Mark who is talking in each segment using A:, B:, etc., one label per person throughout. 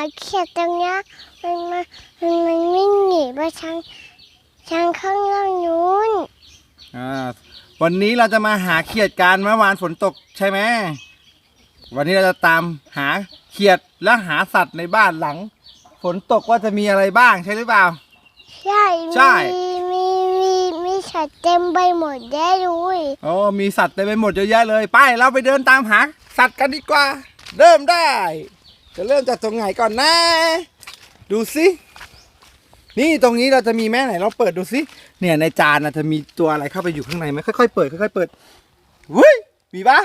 A: เขียดตรงเนี้ยมันวิ่งหนีไปทางข้างล่างนู้น
B: วันนี้เราจะมาหาเขียดกันเมื่อวานฝนตกใช่ไหมวันนี้เราจะตามหาเขียดและหาสัตว์ในบ้านหลังฝนตกว่าจะมีอะไรบ้างใช่หรือเปล่า
A: ใช่มีสัตว์เต็มไปหมดแย่เลย
B: มีสัตว์เต็มไปหมดเยอะแยะเลยไปเราไปเดินตามหาสัตว์กันดีกว่าเริ่มได้จะเริ่มจากตรงไหนก่อนนะดูสินี่ตรงนี้เราจะมีแม่ไหนเราเปิดดูสิเนี่ยในจานจะมีตัวอะไรเข้าไปอยู่ข้างในไหมค่อยๆเปิดค่อยๆเปิดวุ้ยมีปะ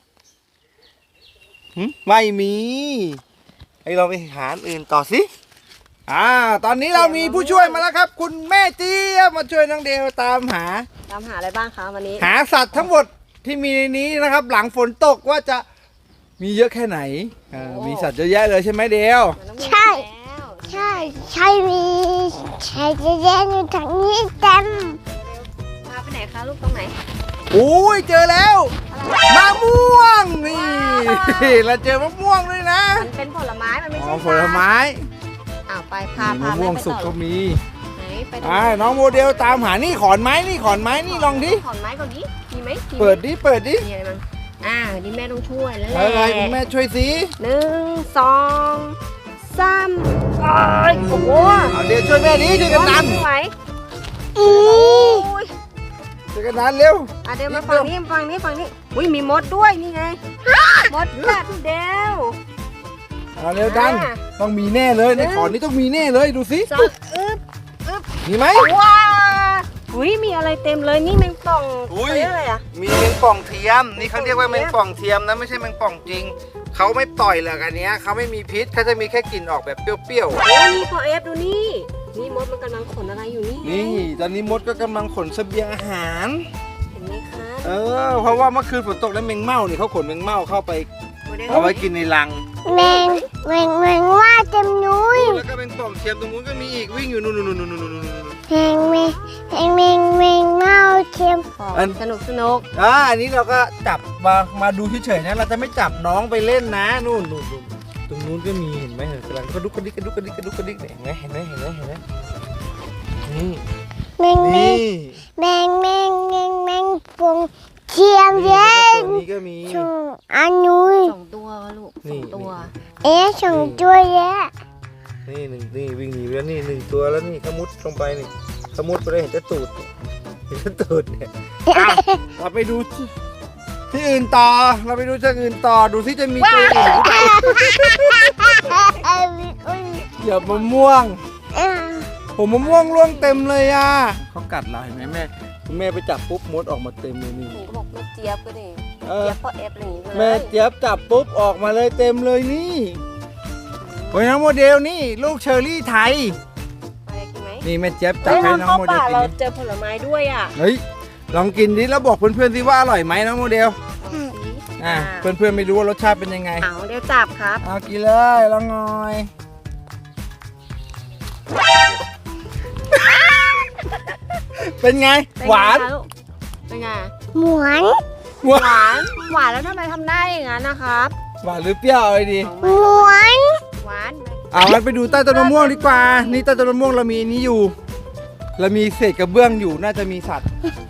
B: ไม่มีให้เราไปหาอื่นต่อสิตอนนี้เรามีผู้ช่วยมาแล้วครับคุณแม่เจี๊ยบมาช่วยน้องเดวตามหา
C: อะไรบ้างคะวันนี้
B: หาสัตว์ทั้งหมดที่มีในนี้นะครับหลังฝนตกว่าจะมีเยอะแค่ไหนมีสัตว์เยอะแยะเลยใช่ไหมเดว
A: ใช่มีใช่เยอะแยะอยู่ทางนี้เต็ม
C: พาไปไหนคะลูกตรงไหน
B: โอ้ยเจอแล้วมะม่วงนี่เราเจอมะม่วงด้วยนะ
C: มันเป็นผลไม้มันไม่ใช่
B: ผลไม้
C: ไปพาม
B: ะม่วงสุกก็มี
C: ไหนไป
B: น้องโมเดลตามหานี่ขอนไม้นี่ลองดิ
C: ขอนไม้ก่อนดิมีไหม
B: เปิดดิ
C: มีอะไรมั้งนี่แม่ต้องช่วยแล้ว
B: อะไรคุณแม่ช่วยสิ
C: 1 2 3โอ้โห
B: เดี๋ยวช่วยแม่ดิช่วยกันดัน
C: ไหว
B: ช่วยกันดันเร็ว
C: เดี๋ยวมาฝั่งนี้อุ้ยมีมดด้วยนี่ไงมดกัดเดว
B: เร็วดันต้องมีแน่เลยในขอนนี้ต้องมีแน่เลยดูสิมีไหม
C: ว้าอุ้ยมีอะไรเต็มเลยนี่แมงป่องอะไร
B: มีแมงป่องเทียมนี่เขาเรียกว่าแมงป่องเทียมนะไม่ใช่แมงป่องจริงเขาไม่ปล่อยหรอกอันนี้เขาไม่มีพิษเขาจะมีแค่กลิ่นออกแบบเปรี้ยว
C: ๆนี่พอเอฟดูนี่มดมันกำลังขนอะไรอยู่
B: นี่ตอนนี้มดก็กำลังขนเสบียงอาหาร
C: เห็นไหมคะ
B: เพราะว่าเมื่อคืนฝนตกแล้วแมงเม่านี่เขาขนแมงเม่าเข้าไปเอาไว้กินในรัง
A: แมงว่าเต็มนุ้ย
B: แล้วก็แมงป่องเทียมตรงนู้นก็มีอีกวิ่งอยู่นู่น
A: แมงเม่าเทียม
C: สนุก
B: อันนี้เราก็จับมาดูเฉยๆนะเราจะไม่จับน้องไปเล่นนะนู่นตรงนู้นก็มีเห็นไหมกำลังกระดุกกระดิกเห็นไหมนี่
A: แมงป่องเทียมเย็น
B: นี่ก็มี
A: อันนู้น
C: 2 ตัวลูก2 ตัว
A: 2 ตัวแยะ
B: นี่นี่วิ่งหนีแล้วนี่1 ตัวแล้วนี่ขมุดลงไปนี่ขมุดไปได้เห็นจะตูดเนี่ยเราไปดูที่อื่นต่อดูที่จะมีตัวอื่นหรือเปล่าเหยียบมะม่วงผมมะม่วงร่วงเต็มเลยเขากัดเราเห็นไหมแม่คุณแม่ไปจับปุ๊บมดออกมาเต็มเลยนี่
C: บอกแม่เจี๊ยบก็ดิเจี๊ยบพอเอฟเลย
B: แม่เจี๊ยบจับปุ๊บออกมาเลยเต็มเลยนี่โอ้ยน้องโมเดลนี่ลูกเชอร์รี่ไทยนี่แม่เจี๊ยบจับให้น้องโมเดลกิน
C: เราเจอผลไม้ด้วย
B: เฮ้ยลองกินดิแล้วบอกเพื่อนๆสิว่าอร่อยไหมน้องโมเดลเพื่อนๆไม่รู้ว่ารสชาติเป็นยังไง
C: เดี๋ยวจับครับ
B: กินเลยลองหน่อยเป็นไงหวาน
C: เป็นไง
A: หวาน
C: แล้วทำไมทำได้อย่างนั้นนะครับ
B: หวานหรือเปรี้ยวอะไรดี
A: หวาน
B: งั้นไปดูใต้ต้นมะม่วงดีกว่านี่ใต้ต้นมะม่วงเรามีนี้อยู่เรามีเศษกระเบื้องอยู่น่าจะมีสัตว์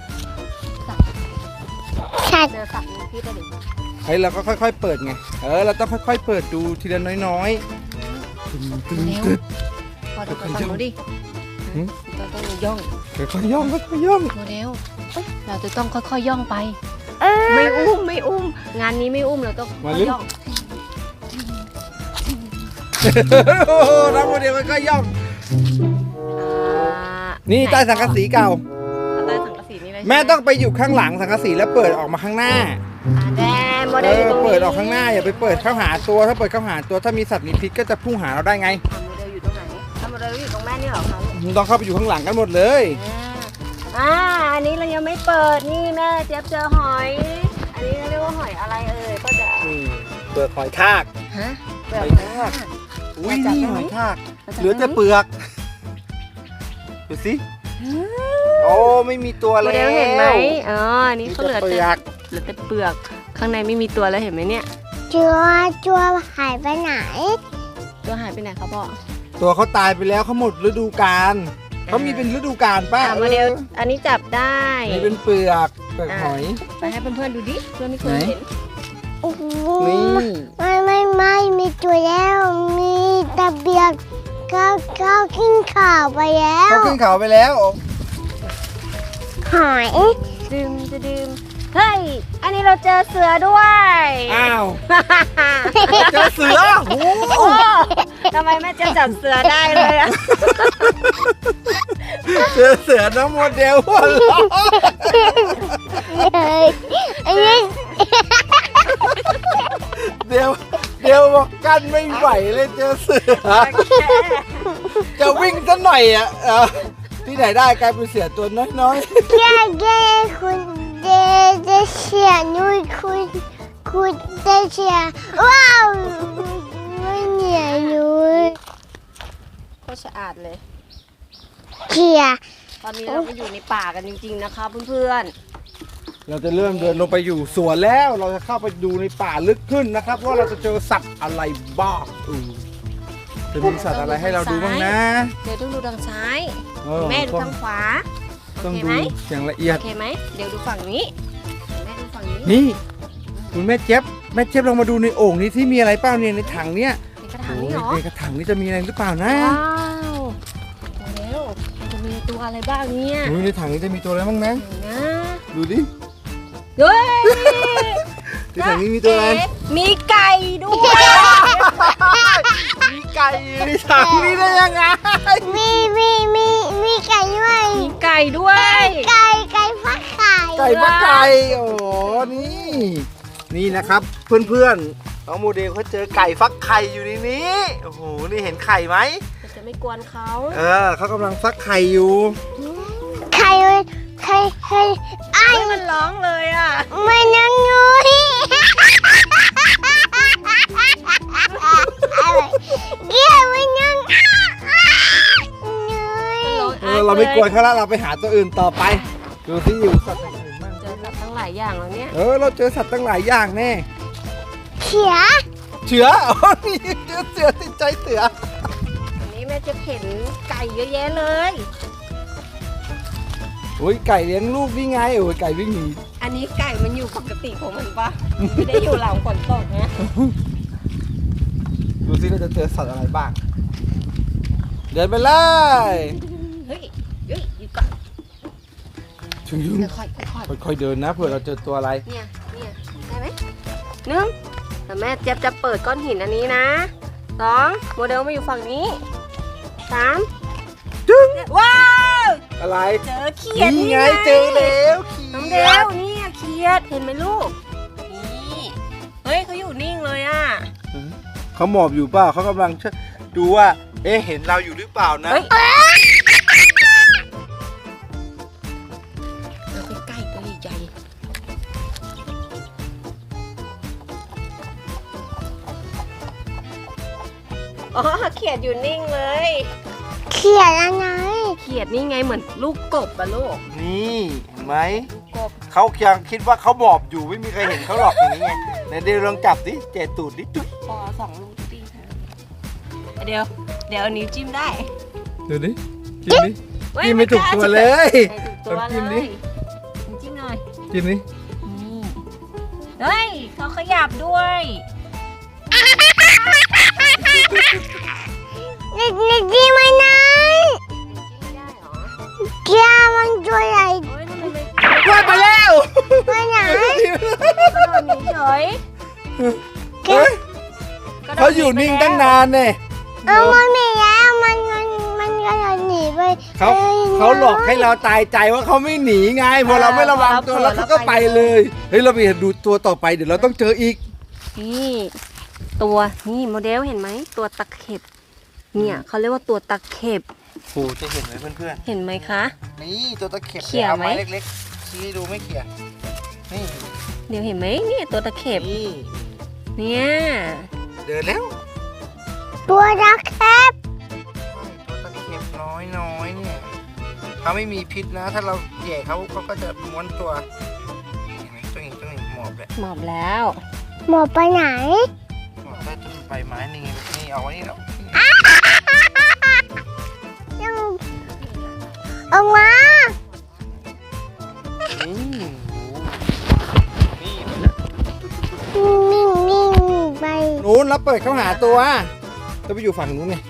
C: เจอสัตว์มีพิษอะไร
B: เฮ้ยเราก็ค่อยๆเปิดไงเราต้องค่อยๆเปิดดูทีละน้อย
C: พอจะฟังดูดิต้องย่อง
B: ค่อยๆย่อง
C: โมเดลเราจะต้องค่อยๆย่องไปไม่อุ้มงานนี้ไม่อุ้มเราต้องย่อง
B: น้องโมเดลค่อยๆย่องนี่ใต้สังกะสีเก่า
C: ใต้สังกะสีนี่เลย
B: แม่ต้องไปอยู่ข้างหลังสังกะสีแล้วเปิดออกมาข้างหน้า
C: โมเดล
B: เปิดออกข้างหน้าอย่าไปเปิดเข้าหาตัวถ้าเปิดเข้าหาตัวถ้ามีสัตว์มีพิษก็จะพุ่งหาเราได้ไง
C: โมเดลอยู่ตรงไหนโมเดลอยู่ตรงแม่นี่เหรอคะ
B: ต้องเข้าไปอยู่ข้างหลังกันหมดเลย
C: อันนี้เรายังไม่เปิดนี่แม่เจี๊ยบเจอหอยอันนี้เรียกว่าหอยอะไรก็จะ
B: เปลือกหอยทาก
C: เปลือกหอยทาก
B: อุ้ยนี่หอยทากเหลือแต่เปลือกดูสิโอ้ไม่มีตัวแล้ว
C: โมเดลเห็นไหมนี่เขาเหลือแต่เปลือกข้างในไม่มีตัวแล้วเห็นไหมเนี่ย
A: ตัวหายไปไหน
C: ตัวตัวหายไปไหนครับพ่อ
B: ตัวเขาตายไปแล้วเขาหมดฤดูกาลเขามีเป็นฤดูกาลป้า
C: โมเดลอันนี้จับได้
B: นี่เป็นเปลือกหอย
C: ไปให้เพื่อนๆดูดิเพื่อนไม่เคยเห็น
A: โอ้โห
B: นี่
A: ไม่มีตัวแล้วมีตะเบียกก้าวขึ้นข่าวไปแล้ว
B: เขาขึ้นเขาไปแล้ว
A: หอย
C: ดื่มจะดื่มเฮ้ยอันนี้เราเจอเสือด้วย
B: อ้าวเจอเสือโอ้โห
C: โอ้ทำไมแม่เจะจับเสือได้เลยอะ
B: เจอเสือน้องโมเดลหัวเราะ
A: อันนี้
B: เดี๋ยวบอกกันไม่ไหวเลยเจอเสือจะวิ่งซะหน่อยอ่ะที่ไหนได้กลายเป็นเสือตัวน้อย
A: แย่คุณเดเชียนุ้ยคุณเดเชียว้าวไม่เหนียวนุ้ย
C: โคตรสะอาดเลย
A: เขีย
C: ตอนนี้เราก็อยู่ในป่ากันจริงๆนะคะเพื่อน
B: ๆเราจะเริ่มเดินลงไปอยู่สวนแล้ว เราจะเข้าไปดูในป่าลึกขึ้นนะครับว่าเราจะเจอสัตว์อะไรบ้างจะมีสัตว์อะไรให้เราดูบ้างนะ
C: ๆเดี๋ยวต้องดูทางซ้าย
B: เออ
C: แม่ดูทางขวาโอ
B: ต้อง
C: เค
B: ดู
C: ไหม
B: อย่างละเอียด
C: โอเคไหมเดี๋ยวดูฝั่งนี้แม่ดูฝั่งนี้
B: นี่คุณแม่เจี๊ยบลองมาดูในโอ่งนี้ที่มีอะไรเปล่าเนี่ยในถังเนี้ย
C: ในกระถางนี้เหรอ
B: โอ้ยในกระถางนี้จะมีอะไรหรือเปล่านะ
C: ว้าวมาแล้วมันจะมีตัวอะไรบ้างเนี่ย
B: โอ้ยในถังนี้จะมีตัวอะไรบ้างนะ
C: ไหนนะ
B: ดูดิ
C: เฮ้ย
B: ในถังนี้มีตัวอะไร
C: เอ๊ะมีไก่ด้วย
B: มีไก่อยู่ในถังนี้ได้ยังไง
A: มีไก่ด้วย
C: มีไก่ด้วย
A: ไก่ฟักไข่
B: ไก่ปะไก่โอ้โหนี่นะครับ เพื่อนๆน้องโมเดลเขาเจอไก่ฟักไข่อยู่ในนี้โอ้โหนี่เห็นไข่ไหม
C: มันจะไม่กวนเขา
B: เขากำลังฟักไข่อยู่
A: ไข่ไอ้
C: เฮ้ยมันร้องเลยอ่ะ
A: ไม่นั่งนุ้ยเกี่ยวไม่นั่งนุ้ย
C: มันร้อง
B: เราไม่กวนเขาแล้วเราไปหาตัวอื่นต่อไปดูที่อยู่สัตว์อื่นบ้าง
C: เจอสัตว์ทั้งหลายอย่างแล้วเนี่ย
B: เราเจอสัตว์ตั้งหลายอย่างแน่
A: เขีย
B: เสืออ๋อนี่เจอเสือติดใจเสือ
C: อันนี้แม่จะเห็นไก่เยอะแยะเลย
B: โอ้ยไก่เลี้ยงลูกนี่ไงโอ้ยไก่วิ่งหนี
C: อันนี้ไก่มันอยู่ปกติของมันปะไม่ได้อยู่หลังฝนตกนะ
B: ดูสิเราจะเจอสัตว์อะไรบ้าง เดินไปเลย
C: เฮ้ยหยุดก่อน
B: ถึง
C: ค่อย
B: ค่อยๆเดินนะเผื่อเราเจอตัวอะไร
C: ๆเนี่ยได้ไหมหนึ่งแต่แม่เจี๊ยบจะเปิดก้อนหินอันนี้นะสองโมเดลมาอยู่ฝั่งนี้สาม
B: จึ๊ง
C: ว้าว
B: อะไร
C: เจอเขียด
B: นี่ไงเจอแล้วเขี
C: น้อง
B: ย
C: เด
B: ด
C: วนี่เขียดเห็นไหมลูกนี่เฮ้ยเขาอยู่นิ่งเลยอ่ะ
B: เขาหมอบอยู่เปล่าเขากำลังดูว่า เห็นเราอยู่หรือเปล่านะ
C: เฮ้ยเอาใกล้ๆตัวใหญ่อ๋อเขียดอยู่นิ่งเลย
A: เขียอะไร
C: เขียดนี่ไงเหมือนลูกกบอะลูก
B: นี่เห็นไหม
C: ลูกกบ
B: เขายังคิดว่าเขาหมอบอยู่ไม่มีใครเห็นเขาหรอกอย่างนี้ไงไหนเดี๋ยวลองจับดิเจตูดดิจุ๊บ
C: พอสองลูกตีเดี๋ยวเอานิ้วจิ้มได้
B: ดูดิจิ้มดิ จิ้มไม่ถูกตัวเลย
C: ไม่ถูกตัว
B: ลองจิ้
C: เล
B: มดิ
C: ยจิ้มหน่อย
B: จิ้มดิ
C: นี่เฮ้ยเขาขยับด้วย
A: นี่ดีไหมนะ
C: จิ้มได้เหรอ
A: เขียมันตัวใหญ่
C: โอ้ยทำไมไม่
B: ว่าไปแล้ว
A: ไปไหน
C: กระโดดหนีเฉย
B: เฮ้ยเขาอยู่นิ่งตั้งนานเนี่ย
A: มันไม่แล้วมันกระโดดหนีไป
B: เขาหลอกให้เราตายใจว่าเขาไม่หนีไงพอเราไม่ระวังตัวแล้วเขาก็ไปเลยเฮ้ยเราไปดูตัวต่อไปเดี๋ยวเราต้องเจออีก
C: นี่ตัวนี่โมเดลเห็นไหมตัวตะเข็บเนี่ยเขาเรียกว่าตัวตะเข็บ
B: โอ้จะเห็นไหมเพื่อน
C: เห็นไหมคะ
B: ๆนี่ตัวตะเข็บ
C: เขี่ย
B: เอา
C: ไหม
B: ไม้เล็กๆชี้ให้ดูไม่เขี่ยนี่
C: เดี๋ยวเห็นไหมเนี่ยตัวตะเข็บ
B: นี่
C: เนี่ย
B: เดินแล้ว
A: ตัวรักแคบ
B: ตัวตะเข็บน้อยเนี่ยเขาไม่มีพิษนะ ถ้าเราแย่เขาก็จะม้วนตัวเห็นไหมตัวเองหมอบเลย
C: หมอบแล้ว
A: หมดไปไหน
B: หมอบได้ตัวใบไม้นี่ไงนี่เอาไว้นี่แล้ว
A: ยังออกมา
B: นี่นี่
A: นิ่งไป
B: นู้นแล้วเปิดเข้าหาตัวจะไปอยู่ฝั่งนู้นไง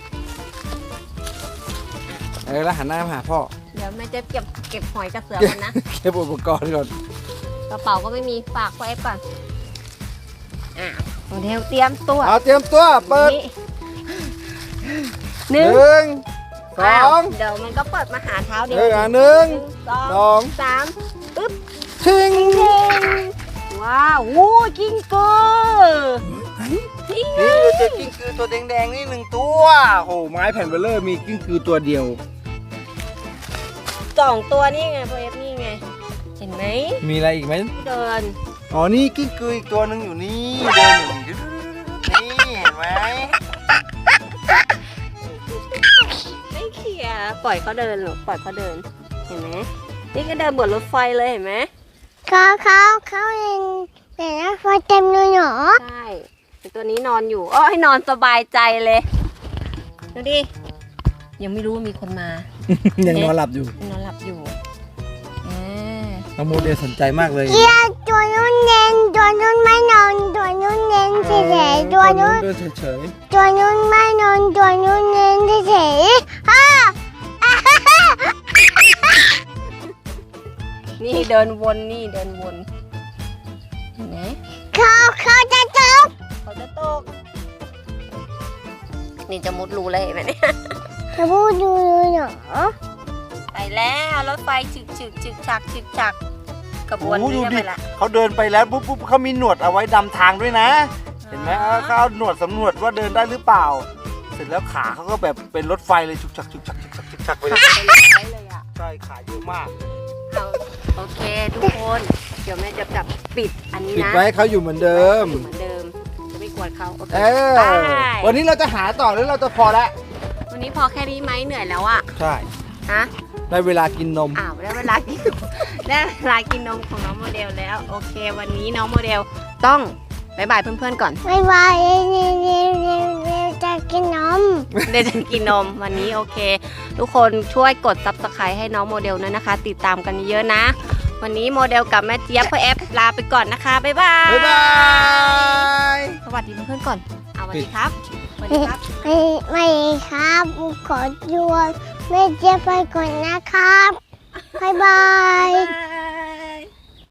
B: แล้วหันหน้ามาหาพ่อ
C: เดี๋ยวแม่จะเก็บหอยกระเสือก่อนนะ
B: เก็บอุปกรณ์ก่อน
C: กระเป๋าก็ไม่มีฝากพ่อเอฟก่อนโมเดลเตรียมตัว
B: เอาเตรียมตัวเปิด
C: หนึ่ง
B: สอง
C: เดี๋ยวมันก็เปิดมาหาเท้าเดียว
B: หนึ่ง
C: ส
B: ส
C: อ
B: อง ง
C: สามปึ๊บ
B: ชิง
C: ว้าวโอ้ยกิ้งกือนี่ไง
B: นี่เราเจอกิ้งกือตัวแดงๆนี่หนึ่งตัวโอ้ไม้แผ่นเบลเลอร์มีกิ้งกือตัวเดียว
C: สองตัวนี่ไงพ่อเอฟนี่ไงเห็นไหม
B: มีอะไรอีกไหม
C: เดิน
B: อ๋อนี่กิ้งกืออีกตัวหนึ่งอยู่นี่เดินอยู่นี่เห็นไหม
C: ไม่เขี่ยปล่อยเขาเดินหรอกปล่อยเขาเดินเห็นไหมนี่ก็เดินบนรถไฟเลยเห็นไหม
A: เขาเองแต่ละไฟเต็มเลยเหรอ
C: ใช่ไอ้ตัวนี้นอนอยู่อ้อให้นอนสบายใจเลยดูดิยังไม่รู้ว่ามีคนมา
B: ยังนอนหลับอยู่
C: นอนหลับอยู่อ่า
B: น้องโมเดลสนใจมากเลย
A: เกียร์ตัวนู้นเน้นตัวนู้นไม่นอนตัวนู้นเน้นเฉยๆตัวนู้น
B: เดินเฉย
A: ตัวนู้นไม่นอนตัวนู้นเน้นเฉยๆฮ่า
C: นี่เดินวนนี่เดินวนเห็นไหม
A: เขาจะตก
C: เขาจะตกนี่จะมุดรูเลยเห็นไหมเนี่ย
A: จะพูดดูเหรอ
C: ไปแล้วรถไฟฉึกฉักกระบวน
B: โอ้
C: นี้
B: ดู
C: จะ
B: ดิ
C: ไปละ
B: เขาเดินไปแล้วปุ๊บเขามีหนวดเอาไว้ดำทางด้วยนะ เห็นไหมเขาเอาหนวดสำรวจว่าเดินได้หรือเปล่า เสร็จแล้วขาเขาก็แบบเป็นรถไฟเลยฉุกชักไปเลย
C: ไปเลยอ่ะ
B: ใช่ขาเยอะมาก
C: เอาโอเคทุกคนเดี๋ยวแม่จะจับปิดอันนี้
B: ปิด
C: นะ
B: ไว้ให้เขาอยู่เหมือนเดิม
C: เหมือนเดิมจะไม่กวนเขาโอเค
B: เออ
C: ไป
B: วันนี้เราจะหาต่อหรือเราจะพอแล้ว
C: วันนี้พอแค่นี้ไหมเหนื่อยแล้วอ่ะ
B: ใช่
C: ฮะ
B: ได้เวลากินนม
C: อ้าวได้เวลากิน ได้เวลากินนมของน้องโมเดลแล้วโอเค วันนี้น้องโมเดลต้องบายบายเพื่อนๆก่อน
A: ไม่ไหวจะกินนม
C: เดี๋ยวจะกินนมวันนี้โอเค ทุกคนช่วยกด Subscribe ให้น้องโมเดลด้วยนะคะ ติดตามกันเยอะๆนะ วันนี้โมเดลกับแม่เจี๊ยบพ่อแอฟลาไปก่อนนะคะบ๊ายบาย
B: บ๊ายบาย
C: สวัสดีเพื่อนๆก่อนเอาสวัสดีครับสวัสดีครับ
A: ไม่ครับขอดวนไม่เจ็บไปก่อนนะครับบ๊ายบาย
C: บ๊ายบาย